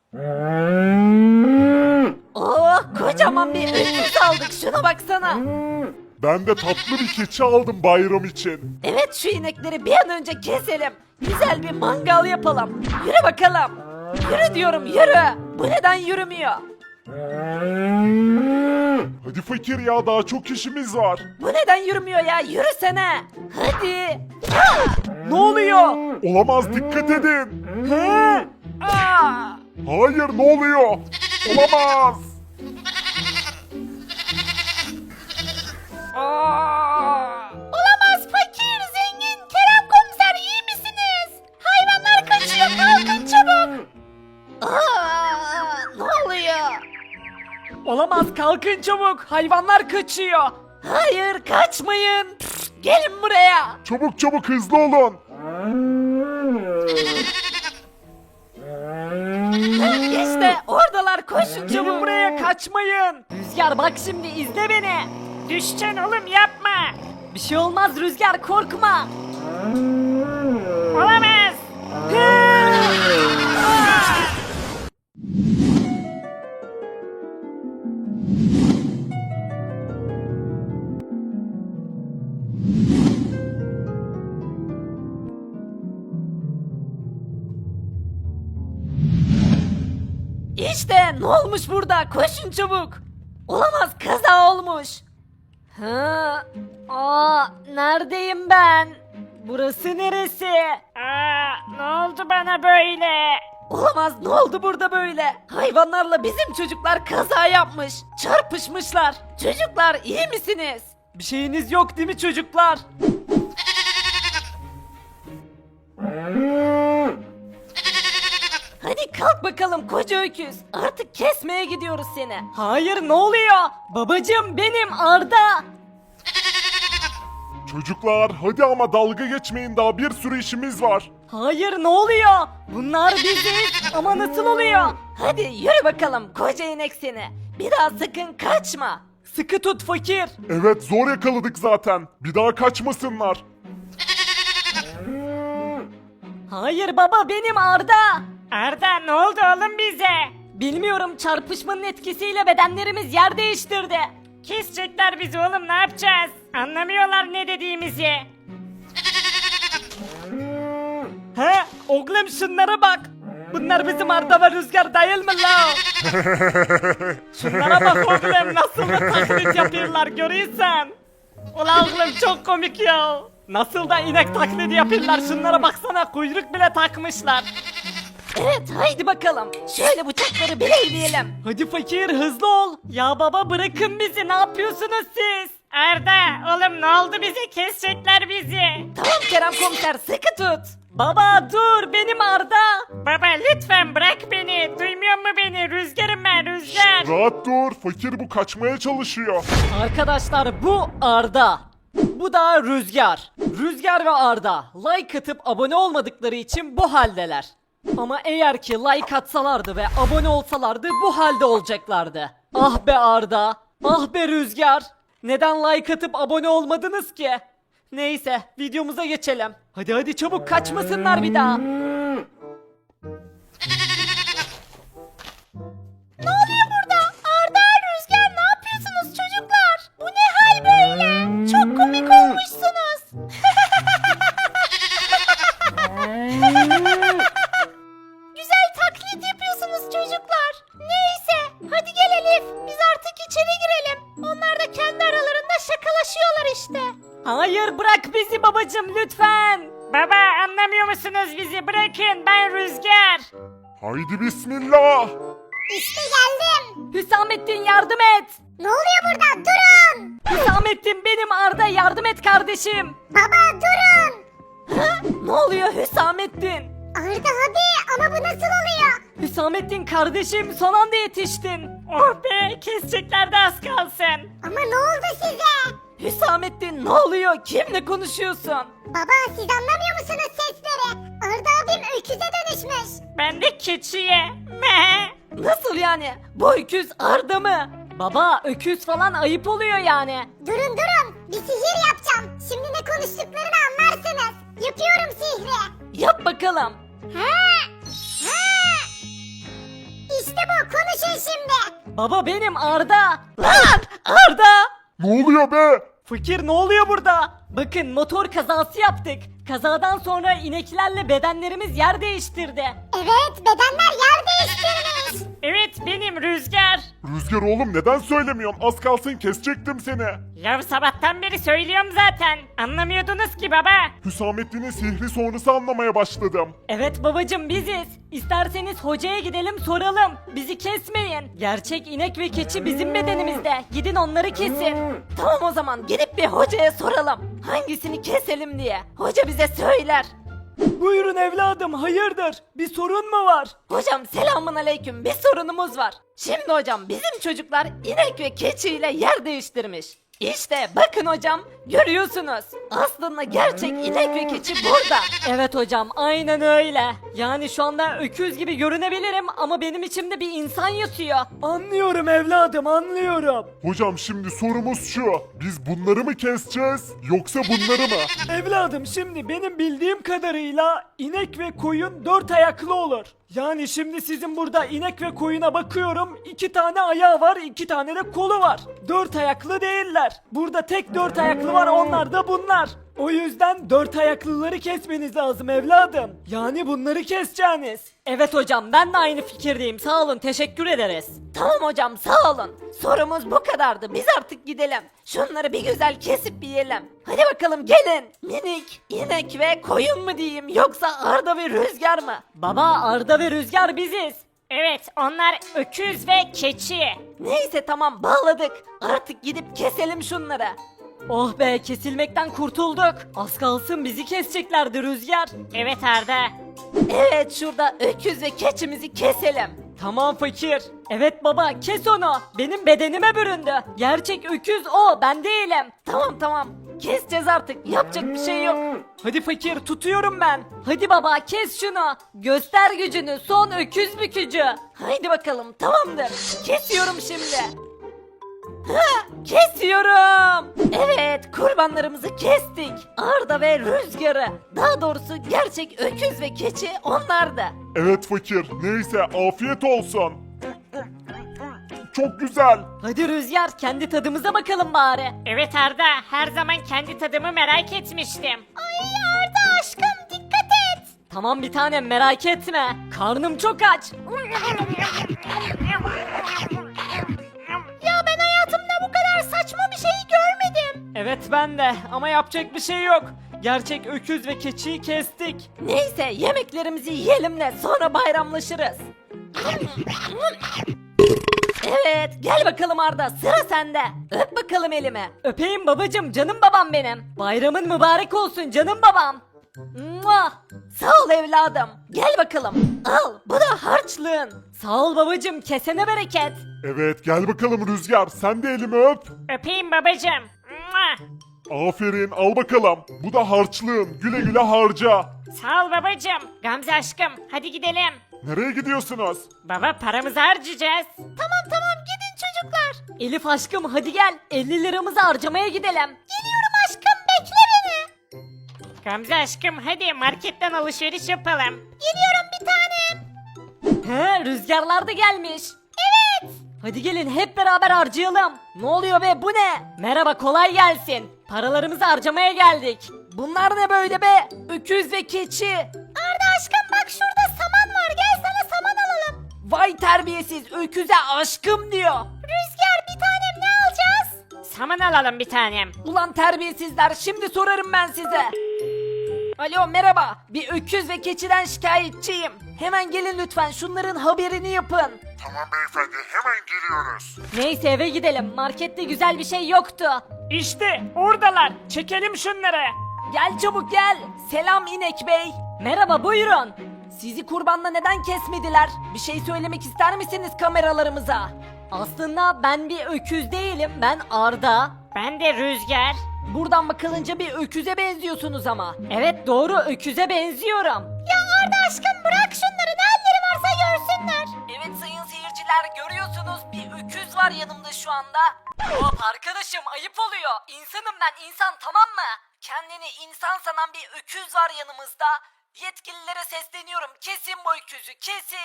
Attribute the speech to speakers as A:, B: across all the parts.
A: Oh, kocaman bir öküz aldık, şuna baksana.
B: Ben de tatlı bir keçi aldım bayram için.
A: Evet, şu inekleri bir an önce keselim. Güzel bir mangal yapalım. Yürü bakalım. Yürü diyorum, yürü. Bu neden yürümüyor?
B: Hadi fakir ya, daha çok işimiz var.
A: Bu neden yürümüyor ya? Yürüsene. Hadi. Ne oluyor?
B: Olamaz, dikkat edin.
A: Aa!
B: Hayır, ne oluyor? Olamaz.
A: Olamaz fakir, zengin, Kerem komiser, iyi misiniz? Hayvanlar kaçıyor, kalkın çabuk. Ne oluyor? Olamaz, kalkın çabuk, hayvanlar kaçıyor. Hayır, kaçmayın. Gelin buraya.
B: Çabuk çabuk, hızlı olun.
A: İşte oradalar, koşun çabuk buraya, kaçmayın. Rüzgar bak şimdi, izle beni. Düşeceksin oğlum, yapma. Bir şey olmaz Rüzgar, korkma. Olamaz. İşte ne olmuş burada? Koşun çabuk. Olamaz, kaza olmuş. Neredeyim ben? Burası neresi? Ne oldu bana böyle? Olamaz, ne oldu burada böyle? Hayvanlarla bizim çocuklar kaza yapmış. Çarpışmışlar. Çocuklar, iyi misiniz? Bir şeyiniz yok değil mi çocuklar? Hadi kalk bakalım koca öküz. Artık kesmeye gidiyoruz seni. Hayır, ne oluyor? Babacım, benim Arda.
B: Çocuklar hadi ama dalga geçmeyin, daha bir sürü işimiz var.
A: Hayır, ne oluyor? Bunlar biziz ama nasıl oluyor? Hadi yürü bakalım koca inek seni. Bir daha sakın kaçma. Sıkı tut fakir.
B: Evet, zor yakaladık zaten. Bir daha kaçmasınlar.
A: Hayır baba, benim Arda. Arda, ne oldu oğlum bize? Bilmiyorum, çarpışmanın etkisiyle bedenlerimiz yer değiştirdi. Kesecekler bizi oğlum, ne yapacağız? Anlamıyorlar ne dediğimizi. He, oğlum şunlara bak. Bunlar bizim Arda ve Rüzgar değil mi la? Şunlara bak oğlum, nasıl da taklit yapıyorlar, görüyorsun. Ulan oğlum, çok komik ya. Nasıl da inek taklidi yapıyorlar, şunlara baksana, kuyruk bile takmışlar. Evet, haydi bakalım. Şöyle bıçakları bileyleyelim. Hadi fakir, hızlı ol. Ya baba, bırakın bizi, ne yapıyorsunuz siz? Arda, oğlum ne oldu, bizi kesecekler bizi. Tamam Kerem komiser, sıkı tut. Baba dur, benim Arda. Baba lütfen bırak beni, duymuyor mu beni? Rüzgarım ben, Rüzgar.
B: Rahat dur, fakir bu kaçmaya çalışıyor.
A: Arkadaşlar, bu Arda. Bu da Rüzgar. Rüzgar ve Arda like atıp abone olmadıkları için bu haldeler. Ama eğer ki like atsalardı ve abone olsalardı bu halde olacaklardı. Ah be Arda, ah be Rüzgar. Neden like atıp abone olmadınız ki? Neyse, videomuza geçelim. Hadi hadi çabuk, kaçmasınlar bir daha. Ne oluyor burada? Arda, Rüzgar, ne yapıyorsunuz çocuklar? Bu ne hal böyle? Çok komik olmuşsunuz. Güzel taklit yapıyorsunuz çocuklar. Neyse, hadi gel Elif, biz artık içeri girelim. Onlar da kendi aralarında şakalaşıyorlar işte. Hayır, bırak bizi babacım lütfen. Baba, anlamıyor musunuz bizi? Bırakın, ben Rüzgar.
B: Haydi bismillah.
C: İşte geldim.
A: Hüsamettin, yardım et.
C: Ne oluyor burada? Durun.
A: Hüsamettin, benim Arda, yardım et kardeşim.
C: Baba durun.
A: Ne oluyor Hüsamettin?
C: Arda abi ama bu nasıl oluyor?
A: Hüsamettin kardeşim, son anda yetiştin. Oh be, kesecekler de az kalsın.
C: Ama ne oldu size?
A: Hüsamettin, ne oluyor? Kimle konuşuyorsun?
C: Baba siz anlamıyor musunuz sesleri? Arda abim öküze dönüşmüş.
A: Ben de keçiye. Nasıl yani? Bu öküz Arda mı? Baba, öküz falan ayıp oluyor yani.
C: Durun bir sihir yapacağım. Şimdi ne konuştuklarını anlarsınız. Yapıyorum sihri.
A: Yap bakalım.
C: Ha! Ha! İşte bu, konuşun şimdi.
A: Baba benim Arda. Lan Arda.
B: Ne oluyor be?
A: Fakir ne oluyor burada? Bakın motor kazası yaptık. Kazadan sonra ineklerle bedenlerimiz yer değiştirdi.
C: Evet, bedenler yer değiştirmiş.
A: Evet benim Rüzgar.
B: Rüzgar oğlum neden söylemiyorsun? Az kalsın kesecektim seni.
A: Ya sabahtan beri söylüyorum zaten. Anlamıyordunuz ki baba.
B: Hüsamettin'in sihri sonrası anlamaya başladım.
A: Evet babacım biziz. İsterseniz hocaya gidelim soralım. Bizi kesmeyin. Gerçek inek ve keçi bizim bedenimizde. Gidin onları kesin. Tamam o zaman gidip bir hocaya soralım. Hangisini keselim diye. Hoca bize söyler. Buyurun evladım hayırdır? Bir sorun mu var? Hocam selamun aleyküm bir sorunumuz var. Şimdi hocam bizim çocuklar inek ve keçiyle yer değiştirmiş. İşte bakın hocam görüyorsunuz. Aslında gerçek inek ve keçi burada. Evet hocam aynen öyle. Yani şu anda öküz gibi görünebilirim ama benim içimde bir insan yatıyor. Anlıyorum evladım anlıyorum.
B: Hocam şimdi sorumuz şu. Biz bunları mı keseceğiz yoksa bunları mı?
A: Evladım şimdi benim bildiğim kadarıyla inek ve koyun dört ayaklı olur. Yani şimdi sizin burada inek ve koyuna bakıyorum. 2 tane ayağı var, 2 tane de kolu var. Dört ayaklı değiller. Burada tek dört ayaklı var, onlar da bunlar. O yüzden dört ayaklıları kesmeniz lazım evladım. Yani bunları keseceğiniz. Evet hocam ben de aynı fikirdeyim. Sağ olun teşekkür ederiz. Tamam hocam sağ olun. Sorumuz bu kadardı. Biz artık gidelim. Şunları bir güzel kesip yiyelim. Hadi bakalım gelin. Minik, inek ve koyun mu diyeyim yoksa Arda ve Rüzgar mı? Baba Arda ve Rüzgar biziz. Evet onlar öküz ve keçi. Neyse tamam bağladık. Artık gidip keselim şunları. Oh be kesilmekten kurtulduk. Az kalsın bizi keseceklerdi Rüzgar. Evet Arda. Evet şurada öküz ve keçimizi keselim. Tamam fakir. Evet baba kes onu. Benim bedenime büründü. Gerçek öküz o ben değilim. Tamam. Keseceğiz artık. Yapacak bir şey yok. Hadi fakir tutuyorum ben. Hadi baba kes şunu. Göster gücünü son öküz bükücü. Haydi bakalım tamamdır. Kesiyorum şimdi. Ha, kesiyorum. Evet kurbanlarımızı kestik. Arda ve Rüzgar'ı. Daha doğrusu gerçek öküz ve keçi onlardı.
B: Evet fakir. Neyse afiyet olsun. Çok güzel.
A: Hadi Rüzgar kendi tadımıza bakalım bari. Evet Arda her zaman kendi tadımı merak etmiştim.
C: Ay Arda aşkım, dikkat et.
A: Tamam bir tanem merak etme. Karnım çok aç.
C: Ya ben hayatımda bu kadar saçma bir şey görmedim.
A: Evet ben de ama yapacak bir şey yok. Gerçek öküz ve keçiyi kestik. Neyse yemeklerimizi yiyelim de sonra bayramlaşırız. Evet gel bakalım Arda sıra sende. Öp bakalım elimi. Öpeyim babacım canım babam benim. Bayramın mübarek olsun canım babam. Mua! Sağ ol evladım. Gel bakalım. Al bu da harçlığın. Sağ ol babacım kesene bereket.
B: Evet gel bakalım Rüzgar. Sen de elimi öp.
A: Öpeyim babacım.
B: Aferin al bakalım. Bu da harçlığın. Güle güle harca.
A: Sağ ol babacım. Gamze aşkım hadi gidelim.
B: Nereye gidiyorsunuz?
A: Baba paramızı harcayacağız. Tamam gidin çocuklar. Elif aşkım hadi gel 50 liramızı harcamaya gidelim.
C: Geliyorum aşkım, bekle beni.
A: Gamze aşkım hadi marketten alışveriş yapalım.
C: Geliyorum bir tanem.
A: He rüzgarlar da gelmiş. Evet. Hadi gelin hep beraber harcayalım. Ne oluyor be bu ne? Merhaba kolay gelsin. Paralarımızı harcamaya geldik. Bunlar ne böyle be? Öküz ve keçi.
C: Arda aşkım bak şurada saman var, gel sana saman alalım.
A: Vay terbiyesiz öküze aşkım diyor.
C: Rüzgar bir tanem, ne alacağız?
A: Saman alalım bir tanem. Ulan terbiyesizler şimdi sorarım ben size. Alo merhaba. Bir öküz ve keçiden şikayetçiyim. Hemen gelin lütfen şunların haberini yapın.
B: Tamam beyefendi hemen geliyoruz.
A: Neyse eve gidelim. Markette güzel bir şey yoktu. İşte oradalar. Çekelim şunları. Gel çabuk gel. Selam inek bey. Merhaba buyurun. Sizi kurbanda neden kesmediler? Bir şey söylemek ister misiniz kameralarımıza? Aslında ben bir öküz değilim. Ben Arda. Ben de Rüzgar. Buradan bakılınca bir öküze benziyorsunuz ama. Evet doğru öküze benziyorum.
C: Ya Arda aşkım bırak şunları, ne halleri varsa görsünler.
A: Evet sayın seyirciler görüyorsunuz bir öküz var yanımda şu anda. Hop arkadaşım ayıp oluyor. İnsanım ben insan tamam mı? Kendini insan sanan bir öküz var yanımızda. Yetkililere sesleniyorum kesin bu öküzü kesin.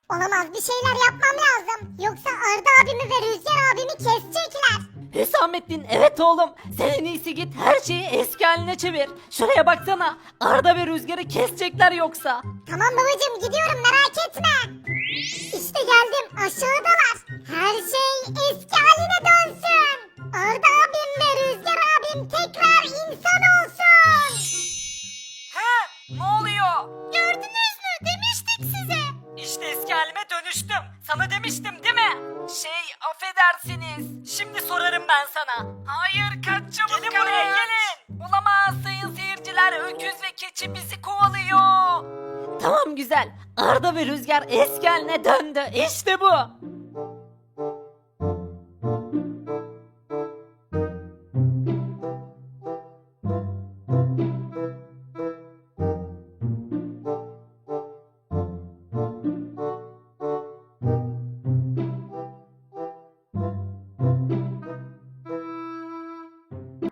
C: Olamaz, bir şeyler yapmam lazım. Yoksa Arda abimi ve Rüzgar abimi kesecekler.
A: Hüsamettin, evet oğlum, sen en iyisi git her şeyi eski haline çevir. Şuraya baksana, Arda ve Rüzgar'ı kesecekler yoksa.
C: Tamam babacığım, gidiyorum, merak etme. İşte geldim, aşağıdalar. Her şey eski haline dönsün. Arda abim ve Rüzgar abim tekrar insan olsun.
A: He, ne oluyor?
C: Gördünüz mü? Demiştik size.
A: İşte eski halime dönüştüm. Sana demiştim değil mi? Affedersiniz. Şimdi sorarım ben sana. Hayır, kaç çabuk. Gelin buraya, gelin. Olamaz sayın seyirciler. Öküz ve keçi bizi kovalıyor. Tamam güzel. Arda ve Rüzgar eski haline döndü. İşte bu.